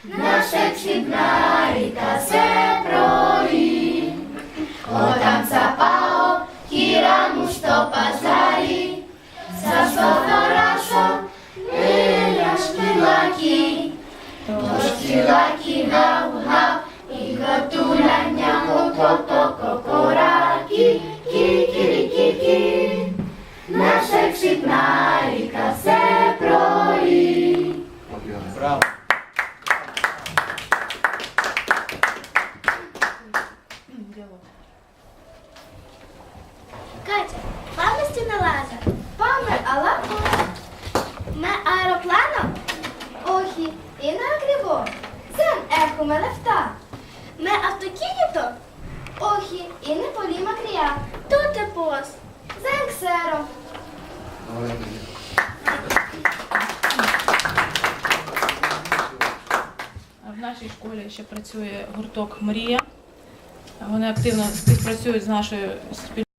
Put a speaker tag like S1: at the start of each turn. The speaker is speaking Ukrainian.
S1: Наша чудна ріка се пролі. Отам цапао, кіраму що пазарі. За сфотографо, виляшки лаки. Тож лаки гав-гав, і готуляння ко-ко-ко-ко-кораки. Кі-кі-кі-кі. Наша чудна ріка се пролі.
S2: Браво!
S1: Катя, пам'яті не лаза. Паме, алапо. Ме аеропланом? Охі, і на грибо. Зен еху ме лефта. Ме автокініто? Охі, і не полі макрія. Тут е пос. Зен ксеро.
S3: В нашій школі ще працює гурток «Мрія». Вони активно співпрацюють з нашою спільнотою.